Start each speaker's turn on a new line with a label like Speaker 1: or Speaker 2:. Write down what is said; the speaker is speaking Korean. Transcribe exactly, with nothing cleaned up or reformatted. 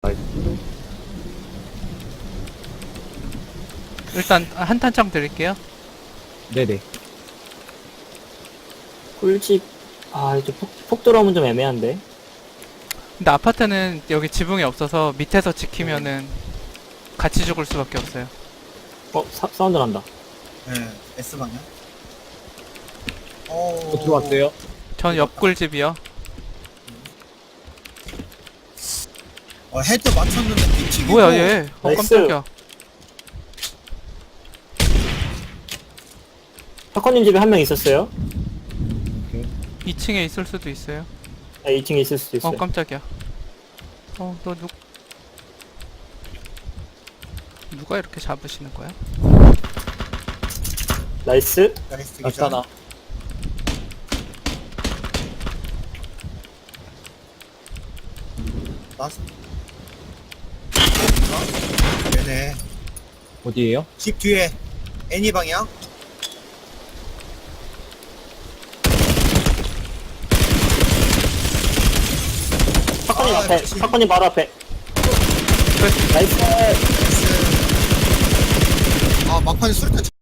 Speaker 1: 일단 한 탄창 드릴게요.
Speaker 2: 네네.
Speaker 3: 꿀집. 아, 이제 폭, 폭 들어오면 좀 애매한데.
Speaker 1: 근데 아파트는 여기 지붕이 없어서 밑에서 지키면은 같이 죽을 수밖에 없어요.
Speaker 3: 어, 사, 사운드 난다.
Speaker 4: 네, S방향. 어,
Speaker 2: 또 들어왔어요.
Speaker 1: 전 옆꿀집이요.
Speaker 4: 어, 헤드 맞췄는데 뒤치기고.
Speaker 1: 뭐야 얘? 어
Speaker 3: 나이스.
Speaker 1: 깜짝이야.
Speaker 3: 사커님 집에 한 명 있었어요.
Speaker 1: 이 층에 있을 수도 있어요.
Speaker 3: 아, 이 층에 있을 수도
Speaker 1: 어
Speaker 3: 있어요.
Speaker 1: 깜짝이야. 어 너 누... 누가 이렇게 잡으시는 거야?
Speaker 3: 나이스.
Speaker 4: 나이스 기절.
Speaker 2: 나타나.
Speaker 4: 나스. 어? 네네.
Speaker 2: 어디에요?
Speaker 4: 집 뒤에 애니 방향.
Speaker 3: 사커님
Speaker 4: 아,
Speaker 3: 앞에.
Speaker 4: 역시.
Speaker 3: 사커님 바로 앞에.
Speaker 1: 끝.
Speaker 3: 나이스.
Speaker 4: 나이스. 아 막판에 수류탄